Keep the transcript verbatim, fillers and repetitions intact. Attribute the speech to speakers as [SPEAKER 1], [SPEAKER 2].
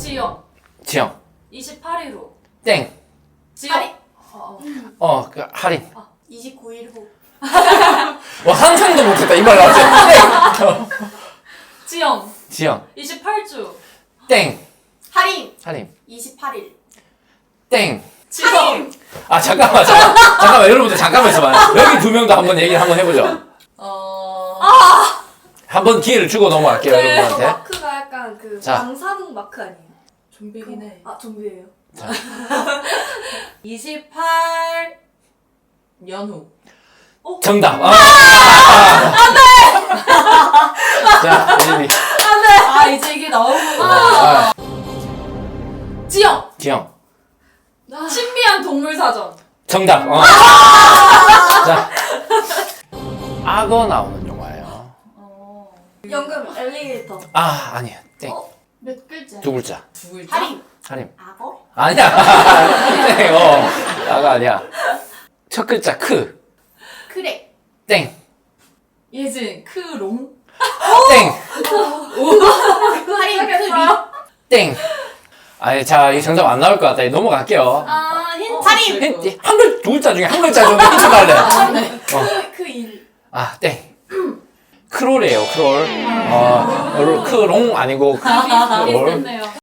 [SPEAKER 1] 지영.
[SPEAKER 2] 지영.
[SPEAKER 1] 이십팔 일 후.
[SPEAKER 2] 땡.
[SPEAKER 1] 지영.
[SPEAKER 3] 할인.
[SPEAKER 1] 어, 어.
[SPEAKER 2] 어, 그 할인.
[SPEAKER 3] 이십구 일 후.
[SPEAKER 2] 와, 상상도 못했다. 이 말 나왔지. 땡.
[SPEAKER 1] 지영.
[SPEAKER 2] 지영.
[SPEAKER 1] 이십팔 주.
[SPEAKER 2] 땡.
[SPEAKER 3] 할인.
[SPEAKER 2] 할인.
[SPEAKER 3] 이십팔 일.
[SPEAKER 2] 땡.
[SPEAKER 1] 지영.
[SPEAKER 2] 아, 잠깐만, 잠깐만. 잠깐만, 여러분들 잠깐만 있어봐요. 여기 두 명도 한번 얘기 한번 해보죠.
[SPEAKER 1] 어.
[SPEAKER 2] 한번 기회를 주고 넘어갈게요,
[SPEAKER 1] 네.
[SPEAKER 2] 여러분한테.
[SPEAKER 3] 마크가 약간 그
[SPEAKER 2] 자.
[SPEAKER 3] 방사능 마크 아니에요?
[SPEAKER 1] 좀비긴 해.
[SPEAKER 3] 아 좀비예요.
[SPEAKER 1] 이십팔 년 후.
[SPEAKER 2] 정답. 아, 자, 예림이.
[SPEAKER 1] 아, 이제 이게 나오구나.
[SPEAKER 2] 아,
[SPEAKER 1] 지영.
[SPEAKER 2] 지영.
[SPEAKER 1] 신비한 동물 사전.
[SPEAKER 2] 정답. 어. 자, 악어 나오는 영화예요.
[SPEAKER 1] 어.
[SPEAKER 3] 연금 엘리게이터.
[SPEAKER 2] 아, 아니야. 땡.
[SPEAKER 3] 어? 몇 글자?
[SPEAKER 2] 두 글자.
[SPEAKER 1] 두 글자.
[SPEAKER 3] 할인.
[SPEAKER 2] 할인.
[SPEAKER 3] 악어?
[SPEAKER 2] 아니야. 땡. 어. 악어 아니야. 첫 글자 크.
[SPEAKER 3] 크랙.
[SPEAKER 2] 땡.
[SPEAKER 1] 예진. 크롱.
[SPEAKER 2] 땡.
[SPEAKER 3] 할인 크리.
[SPEAKER 2] 땡. 아니, 자, 이 정답 안 나올 것 같다. 이거 넘어갈게요.
[SPEAKER 3] 아 힌트.
[SPEAKER 1] 할인.
[SPEAKER 2] 힌트, 한 글, 두 글자 중에 한 글자 정도 힌트 달래. 어.
[SPEAKER 3] 크일.
[SPEAKER 2] 아, 땡. 크롤이에요, 크롤. 어, 크롱 아니고 크롤.
[SPEAKER 1] 비슷했네요.